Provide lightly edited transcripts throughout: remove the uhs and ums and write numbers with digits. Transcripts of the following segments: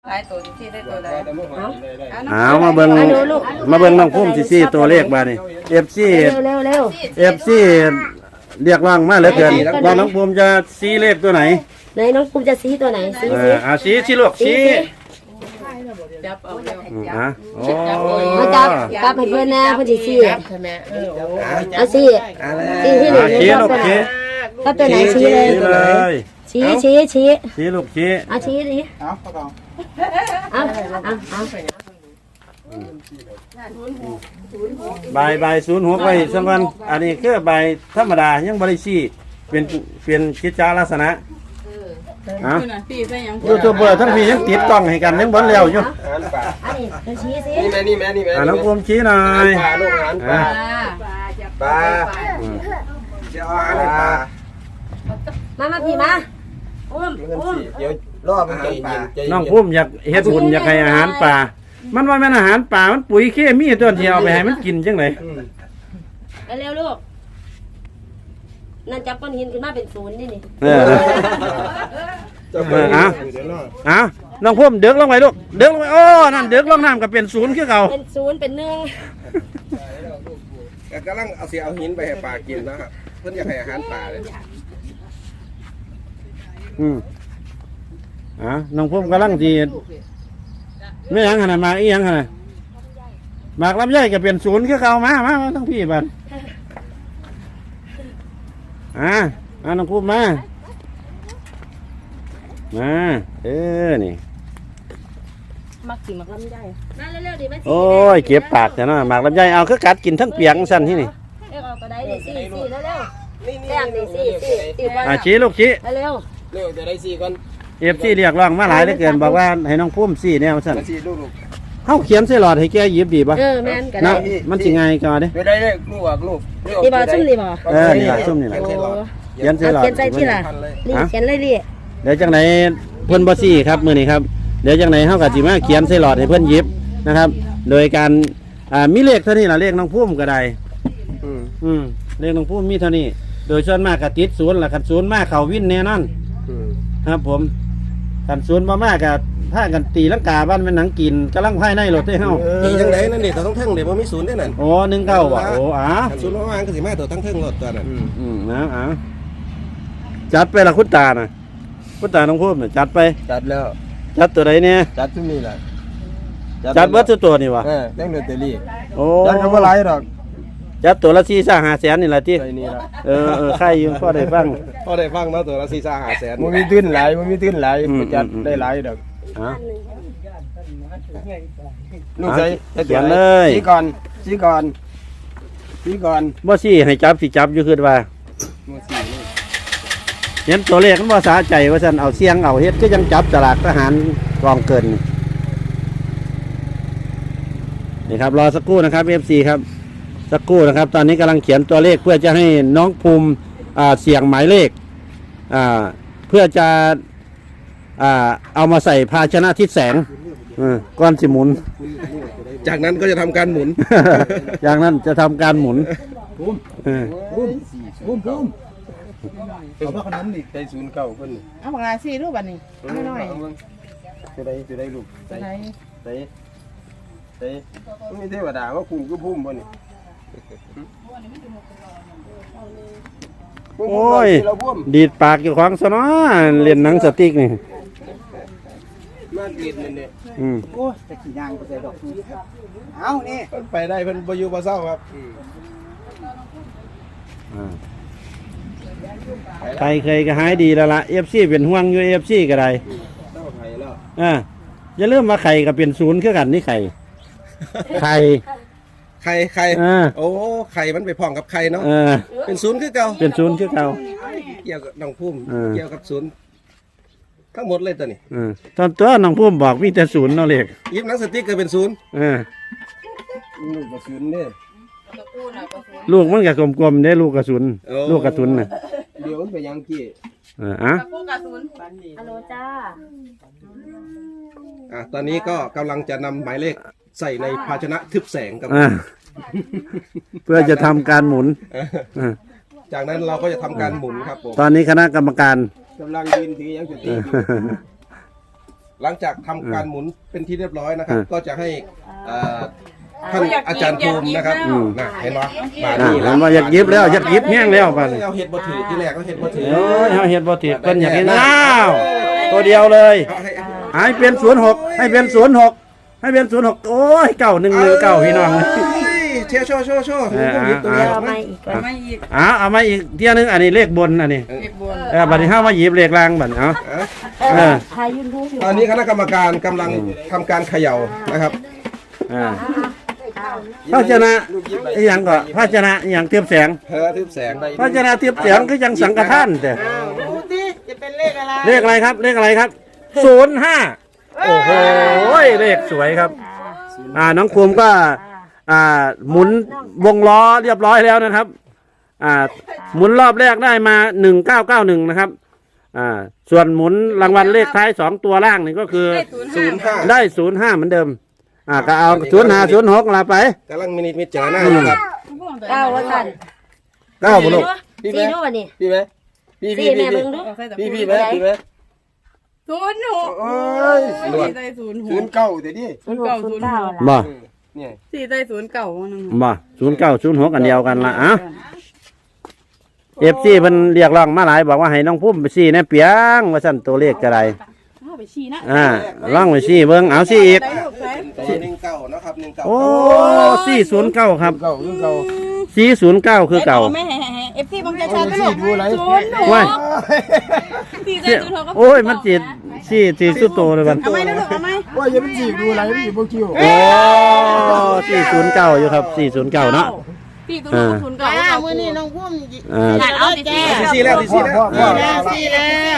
หลายตัวที่ได้ตัวใดมาเบิ่งน้องพุ่มซี่ตัวเลขมานี่เอฟซีเร็วเอฟซีเรียกร้องมาเหลือเกินว่าน้องพุ่มจะซีเลขตัวไหนไหนน้องภูมิจะซีตัวไหนซีซีลูกซีจับเอาเร็วโอ้มาจับให้เพื่อนนะเพื่อนจะซีใช่ไหมเอาซีที่หนึ่งชี้ลูกชี้ถ้าตัวไหนซีเลยชี้ชี้ลูกชี้เอาชี้ดิเอาใบ06ไว้สักวันอันนี้คือใบธรรมดายังบริซีเป็นกิจจาลักษณะยูทูบเบอร์ทั้งพี่ยังติดกล้องให้กันยังบนเร็วอยู่อันนี้ชี้สินี่แม่น้องภูมิชี้หน่อยปลาลูกอาหารปลาจะเอาอาหารปลามาพี่มาเดี๋ยวรอบมันใจเย็นน้องภูมิอยากเฮ็ดบุญอยากให้อาหารป่ามันว่าแม่นอาหารป่ามันปุ๋ยเคมีตัวที่เอาไปให้มันกินจังได๋เร็วลูกนั่นจับก้อนหินขึ้นมาเป็นศูนย์นี่น้องพุ่มเดือกลงไปลูกเดือกลงไปโอ้นั่นเดือกลงน้ำก็เป็นศูนย์คือเก่าเป็นศูนย์เป็นหนึ่งกำลังเอาหินไปให้ปลากินนะครับเพื่อนอยากให้อาหารปลาเลยน้องพุ่มกำลังจีไม่ยังขนาดมาอียังขนาดหมากลำไยก็เป็นศูนย์คือเก่ามาทั้งพี่บัดน้องพุ่มมานี่มักกินหมากลำไยมาเร็วๆดิโอ้ยเก็บปากแต่เนาะหมากลำไยเอาคือกัดกินทั้งเปียกสั่นที่นี่เอากระไดดิซี่เร็วแป้งดิซี่ชี้ลูกชี้เร็วจะได้4ก่อน FCเรียกร้องมาหลายเหลือเกินบอกว่าให้น้องพุ่มซี่แนวสั่นลูกเขาเขียนใส่หลอดให้แกหยิบดีป่ะแม่นก็ได้มันสิไงก่อนดิไม่ได้เลยลูกนี่บ่ซุ่มนี่บ่นี่ล่ะซุ่มนี่ล่ะเขียนใส่หลอดเขียนใส่ที่ล่ะนี่เขียนเลยดิเดี๋ยวจังไหนเพิ่นบ่ซี่ครับมื้อนี้ครับเดี๋ยวจังไหนเฮาก็สิมาเขียนใส่หลอดให้เพิ่นหยิบนะครับโดยการมีเลขเท่านี้ล่ะเลขน้องพุ่มก็ได้เลขน้องพุ่มมีเท่านี้โดยส่วนมากก็ติดศูนย์ล่ะคันศูนย์มาเข้าวินแน่นอนครับผมคันศูนย์บ่มาก็พากันตีลังกาบ้านเป็นหนังกินกำลังภายในรถได้เฮาตีจังไดนั่นนี่ตัวทั้งเดี๋ยวบ่มีศูนย์ได้นั่นโอ้19ว่ะโอ้ศูนย์ว่างก็สิมาตัวทั้งรถตัวนั้นนะจัดไปละคุณตาน่ะคุณตาน้องพุ่มน่ะจัดไปจัดแล้วจัดตัวใดเนี่ยจัดทุกนี่แหละจัดเบิดตัวนี่วะเรื่องเดือดเตลี่โอ้จัดก็บ่หลายดอกจัดตัวละ4-5 แสนนี่แหละที่ใครอยู่พอได้ฟังเนาะตัวละ4-5 แสนมันมีตื้นหลายจัดได้หลายดอกลูกใส่เขียนเลยชี้ก่อนบ่ซี่ให้จับสิจับอยู่คือว่าเห็นตัวเลขมันบ่สาใจว่าซั่นเอาเสียงเอาเฮ็ดคือยังจับตลาดทหารกองเกินนี่ครับรอสักครู่นะครับ FC ครับสักครู่นะครับตอนนี้กำลังเขียนตัวเลขเพื่อจะให้น้องภูมิเสี่ยงหมายเลขเพื่อจะเอามาใส่ภาชนะทิศแสงก้อนสิหมุนจากนั้นก็จะทำการหมุนจากนั้นจะทำการหมุนภูมิเอาพวกนั้นนี่ได้ศูนย์เก่าเพิ่นเอาปากกาซี่รูปบัดนี้น้อยจะได้ลูกใส่มีเทวดาว่าภูมิก็ภูมิบ่นี่โอ้ยดีดปากอยู่ของซะเนาะเล่นหนังสติ๊กนี่มาเกลียดนี่โอ้จะขี่ยางไปใส่ดอกเอานี่เพิ่นไปได้เพิ่นบ่อยู่บ่เศร้าครับใครเคยก็หายดีแล้วล่ะ FC เป็นห่วงอยู่ FC ก็ได้อย่าลืมว่าไข่ก็เป็นศูนย์คือกันนี่ไข่โอ้ไข่มันไปพ้องกับไข่เนาะเป็นศูนย์คือเก่าเป็นศูนย์คือเก่าเกี่ยวกับน้องพุ่มเกี่ยวกับศูนย์ทั้งหมดเลยตัวนี้ตอนตัวน้องพุ่มบอกมีแต่ศูนย์เนาะเลขยิบหนังสติ๊กก็เป็นศูนย์ลูกกระสุนเนี่ยลูกมันก็กลมๆเด้ลูกกระสุนลูกกระสุนน่ะเดี๋ยวมันไปยังกี้ลูกกระสุนฮัลโหลจ้าตอนนี้ก็กำลังจะนำหมายเลขใส่ในภาชนะทึบแสงกับเพื่อจะทำการหมุนจากนั้นเราก็จะทำการหมุนครับผมตอนนี้คณะกรรมการกำลังยืนถือยังจุดตีหลังจากทำการหมุนเป็นที่เรียบร้อยนะครับ ก็จะให้ท่านอาจารย์ภูมินะครับนะเห็นไหมมาอ่านี่เห็นว่าอยากยิบแล้วอยากยิบแห้งแล้วป่ะนี่เอาเห็ดบ่ถือที่แรกก็เห็ดบ่ถือโอ้ยเฮาเฮ็ดบ่ติดเพิ่นอยากเห็นอ้าวตัวเดียวเลย ให้เป็น06ให้เป็น06ให้เป็น06โอ้ย9119พี่น้องเชียร์โชว์หยิบตัวเดียวเอาไหมมาอีกก่อนเอามาอีกเที่ยนึงอันนี้เลขบนอันนี้บัดนี้เฮามาหยิบเลขล่างบัดเอาเออทายยืนดูอยู่ตอนนี้คณะกรรมการกำลังทำการเขย่านะครับภาชนะอีหยังก็ภาชนะอีหยังเทียบแสงทึบแสงภาชนะเทียบแสงคือจังสังฆทานแต่ดูสิจะเป็นเลขอะไรเลขอะไรครับเลขอะไรครับ05โอ้โหเลขสวยครับน้องภูมิก็หมุนวงล้อเรียบร้อยแล้วนะครับหมุนรอบแรกได้มา1991นะครับส่วนหมุนรางวัลเลขท้าย2ตัวล่างนี่ก็คือ 05 ได้05เหมือนเดิมก็เอา0506ลาไปกำลังมิจารณาอยู่ครับ 9ว่าสั่น 9บ่ลูกสี่ดูวันนี้พี่ไหมพี่สี่แม่เบิ่งดูพี่ไหมพี่ไหม 06 โอ้ยสี่ใจ06 09เดี๋ยวนี้ 09 ล่ะบ่เนี่ยสี่ใจ09นึงบ่0906อันเดียวกันละFC เพิ่นเรียกร้องมาหลายบอกว่าให้น้องภูมิไปซี่แน่เปียงว่าซั่นตัวเลขก็ได้เอาไปชี้นะลองไปซี่เบิ่งเอาซี่อีกได้ลูกไหน 19นะครับ19 โอ้409ครับเก่าคือเก่า 409คือเก่าไม่ให้ FC บังใจชาติลูกว้ายสี่ใจ06ก็โอ้ยมันจิตสี่สุดโตเลยบัดเอาไหมนะลูกเอาไหมว่าอย่าไปจีบดูอะไรไม่จีบโบคิวโอ้409อยู่ครับ409เนาะพี่ตัวนู้นศูนย์เก่ามื้อนี้น้องพุ่ม เอาดิแจ้สี่แล้วสี่แล้วสี่แล้ว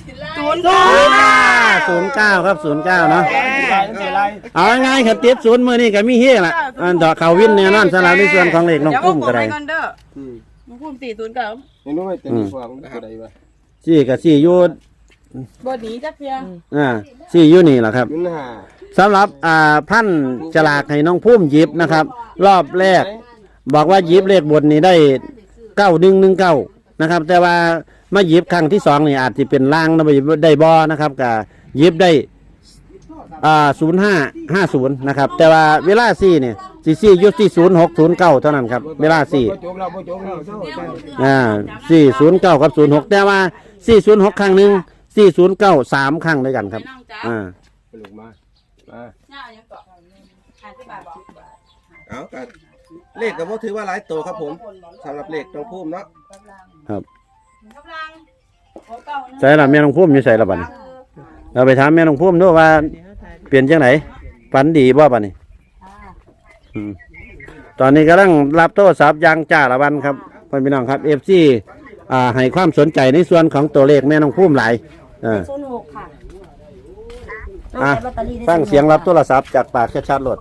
09ครับ09เนาะเอาง่ายๆครับติด0มื้อนี้ก็มีเฮล่ะดอกเขาวินแน่นอนสำหรับในส่วนของเลขน้องปุ้มก็ได้ก่อนเด้อน้องพุ่ม409 นี่นู้นเป็นฟองอะไรวะซี่ก็ซี่อยู่บ่หนีจักเพียซี่อยู่นี่ล่ะครับยุ่นหาสำหรับพันฉลากให้น้องพุ่มหยิบนะครับ รอบแรกบอกว่าหยิบเลขบนนี้ได้9119นะครับ แต่ว่ามาหยิบครั้งที่2นี่อาจจะเป็นล่างนะได้บ่นะครับก็หยิบได้0550นะครับแต่ว่าเวลาซี่เนี่ยซี่อยู่ที่0609เท่านั้นครับเวลาซี่409กับ06แต่ว่า406ครั้งหนึง409 3ครั้งด้วยกันครับลูกมาย่ายังเกาะเอากันเลขกับว่าถือว่าหลายตัวครับผมสำหรับเลขน้องพุ่มเนาะครับใส่ละแม่น้องพุ่มอยู่ใส่ละบัดนี้เราไปถามแม่น้องพุ่มด้วยว่าเปลี่ยนจังไหนฝันดีบ่บัดนี้ตอนนี้กำลังรับโทรศัพท์อย่างจ้าละวันครับพี่น้องครับ FC ให้ความสนใจในส่วนของตัวเลขแม่น้องพุ่มหลาย 06ค่ะฟังเสียงรับโทรศัพท์จากปากชัดๆโลด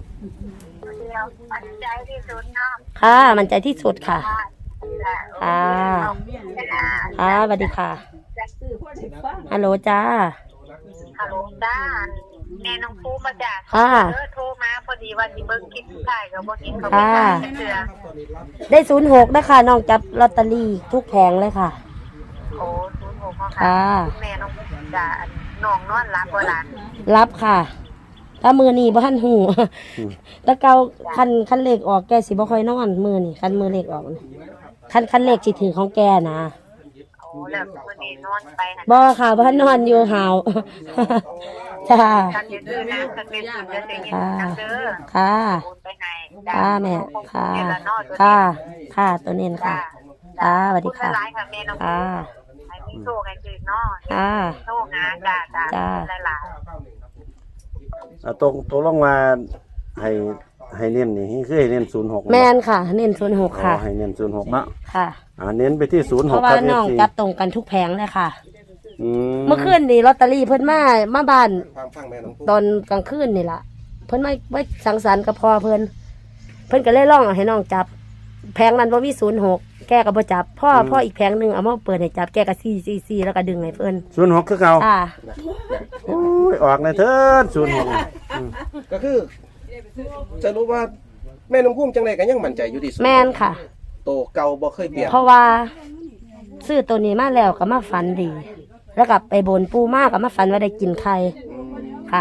ค่ะมันใจที่สุดค่ะค่ะสวัสดีค่ะฮัลโหลจ้าฮัลโหลจ้าแม่น้องภูมาจากค่ะโทรมาพอดีว่าสิเบิ่งคลิปถ่ายกับบ่กินเขาค่ะไม่เสือได้06นะคะน้องจับลอตเตอรี่ทุกแผงเลยค่ะโอ้06เขาค่ะแม่น้องจ้าน้องนอนรับบ่หลานรับค่ะถ้ามือนี่บ่ทันหูแตะเกาคันเลขออกแกสิบ่ค่อยนอนมือนี่คันมือเลขออกคันเลขสิถือของแกนะโอ้แล้วมื้อนี้นอนไปหั่นบ่ค่ะบ่ทันนอนอยู่หาวจ้าคันดื้อๆนะคันเป็นจะได้ยินนํเด้อค่ะโอนไปให้ค่ะแม่ค่ะเดี๋ยวละนอนตัวค่ะนี้ค่ะตัวเน้นค่ะค่ะสวัสดีค่ะหลายค่ะแม่น้องค่ะให้มีโชคให้คืนเนาะค่ะโชคหาจ้าหลายๆตรงลงมาให้เน้นนี่คือให้เน้น06 แม่นค่ะ เน้น06ค่ะให้เน้น06เนาะค่ะเน้นไปที่06 เพราะว่าครับน้อง FC จับตรงกันทุกแผงเลยค่ะอืมเมื่อคืนนี่ลอตเตอรี่เพิ่นมาบ้านฟังแม่น้องพุ่มตอนกลางคืนนี่ล่ะ เพิ่นไม่สังสรรค์กับพ่อเพิ่นก็เลยร้องให้น้องจับ แผงนั้นบ่มี06แกก็บ่จับพ่ออีกแผงหนึงเอามาเปิดให้จับแกก็4แล้วก็ดึงให้เพิ่น 06คือเก่าค่ะโอ้ยออกในเถิดก็คือจะรู้ว่าแม่น้องพุ่มจังไรกันยังมั่นใจอยู่ที่สุดแม่นค่ะโตเก่าบ่เคยเปลี่ยนเพราะว่าซื้อตัวนี้มาแล้วก็มาฝันดี แล้วก็ไปบนปูมากก็มาฝันว่าได้กินไข่ค่ะ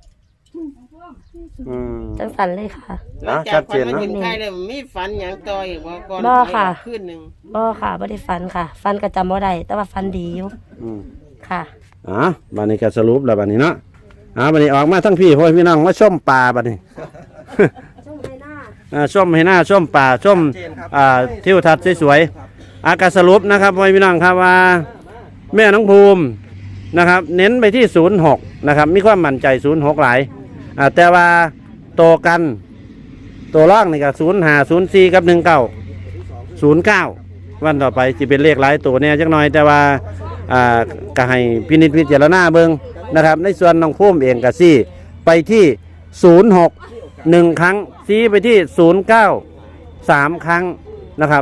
อืมจังสันเลยค่ะนะชัดเจนเนาะเห็นใครเลยมีฝันอย่างต่ออีกว่าก่อนบ่ค่ะขึ้นหนึ่งบ่ค่ะบ่ได้ฟันค่ะ ฟันก็จำบ่ได้แต่ว่าฟันดีอยู่อืมค่ะบัดนี้ก็สรุปแล้วบัดนี้เนาะบัดนี้ออกมาทั้งพี่พ่อพี่น้องมาชมปลาบัดนี้ช่วงไหนหน้าชมให้หน้าชมป่าชมทิวทัศน์สวยๆอากาศสรุปนะครับพ่อพี่น้องครับว่าแม่น้องภูมินะครับ เน้นไปที่06นะครับมีความมั่นใจ06หลายแต่ว่าโตกันตัวล่างนี่ก็05 04กับ19 09วันต่อไปจะเป็นเลขหลายตัวเนี่ยจักหน่อยแต่ว่าก็ให้พินิจพิจารณาเบิ่งนะครับ ในส่วนน้องภูมิเองก็ซี่ไปที่06 1 ครั้งซีไปที่09 3 ครั้งนะครับ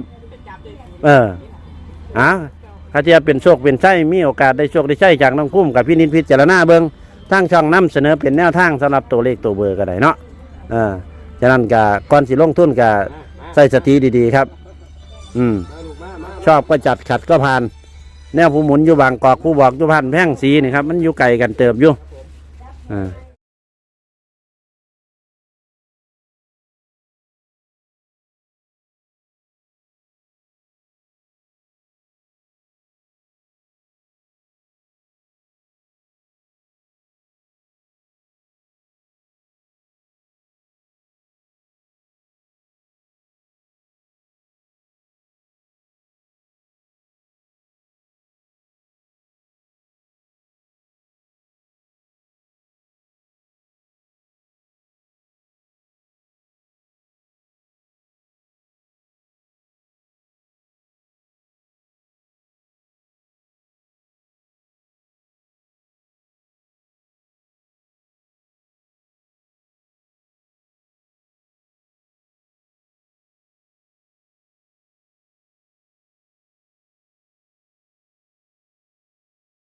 ถ้าจะเป็นโชคเป็นไส้มีโอกาสได้โชคได้ใช่จากน้องพุ่มกับพี่นินพิจารณาเบิงทางช่องนำเสนอเป็นแนวทางสำหรับตัวเลขตัวเบอร์ก็ได้เนาะฉะนั้นก็ก่อนสิลงทุนก็ใส่สติดีๆครับชอบก็จัดขัดก็ผ่านแนวผู้หมุนอยู่บางกอกผู้บอกอยู่พันแพ่งสีนี่ครับมันอยู่ไกลกันเติบอยู่